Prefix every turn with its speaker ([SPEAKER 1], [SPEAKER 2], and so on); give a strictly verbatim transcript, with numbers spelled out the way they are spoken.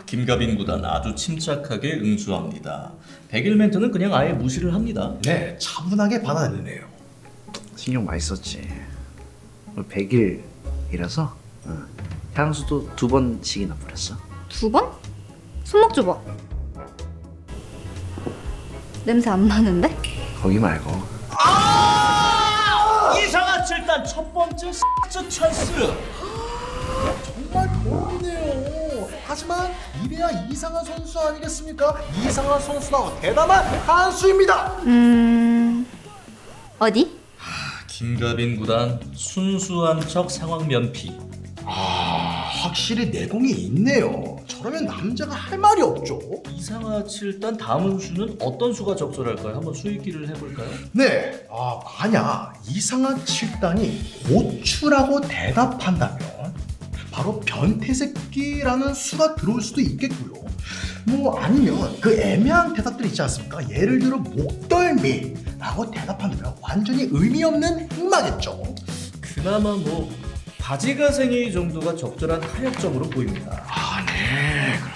[SPEAKER 1] 김가빈 구단 아주 침착하게 응수합니다. 백일 멘트는 그냥 아예 무시를 합니다.
[SPEAKER 2] 네, 차분하게 받아들이네요.
[SPEAKER 3] 신경 많이 썼지. 백 일이라서 어. 향수도 두 번씩이나 뿌렸어.
[SPEAKER 4] 두 번? 손목 줘봐. 냄새 안 나는데?
[SPEAKER 3] 거기 말고.
[SPEAKER 1] 이상한 칠단 첫 번째 X 찬스.
[SPEAKER 2] 정말 고민이네요. 하지만 이래야 이상한 선수 아니겠습니까? 이상한 선수다 대담한 한수입니다.
[SPEAKER 4] 음... 어디?
[SPEAKER 1] 김가빈 구단 순수한 척 상황 면피.
[SPEAKER 2] 아, 확실히 내공이 있네요. 저러면 남자가 할 말이 없죠.
[SPEAKER 1] 이상하 칠단 다음 수는 어떤 수가 적절할까요? 한번 수익기를 해볼까요?
[SPEAKER 2] 네, 아, 만약 이상한 칠단이 고추라고 대답한다면 바로 변태새끼라는 수가 들어올 수도 있겠고요. 뭐 아니면 그 애매한 대답들 있지 않습니까? 예를 들어 목덜미라고 대답한다면 완전히 의미 없는 행마겠죠.
[SPEAKER 1] 그나마 뭐 바지가생이 정도가 적절한 타협점으로 보입니다.
[SPEAKER 2] 아, 네,